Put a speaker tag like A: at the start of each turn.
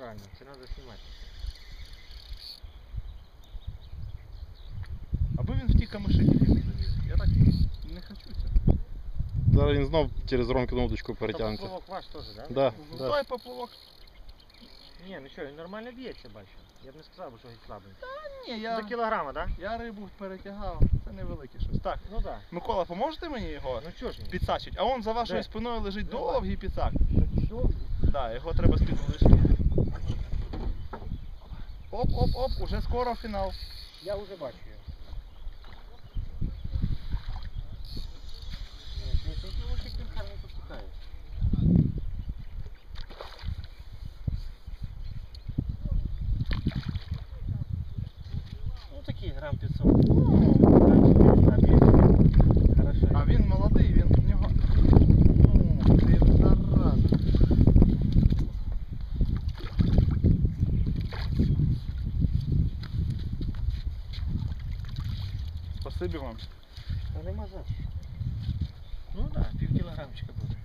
A: Правильно, це треба знімати.
B: Аби він в ті камиші не завів. Я так не хочу цього.
C: Зараз він знов через Ромкину удочку
A: Та
C: перетягнеться.
A: поплавок ваш теж, так?
C: Да,
B: Ну,
C: да.
B: той поплавок.
A: Ні, ну що, він нормально б'ється, бачу. Я б не сказав, що він слабий.
B: Ні,
A: До кілограма, так?
B: я рибу перетягав. Це невелике щось. Так,
A: Ну так.
B: Микола, поможете мені його
A: Ну чого ж ні?
B: підсачити? А он за вашою
A: Де?
B: спиною лежить
A: Давай.
B: довгий підсак.
A: Довгий.
B: Так, його треба з-під лишити. Оп, оп, оп, уже скоро фінал.
A: Я вже бачу його. Ні, ти лучик він гарно посікає. Ну такі грам 500. Хорошо.
B: А він молодий, він в нього. Ну, ти зараза. Спасибі вам.
A: Та нема за що. Ну так, пів кілограмчика буде.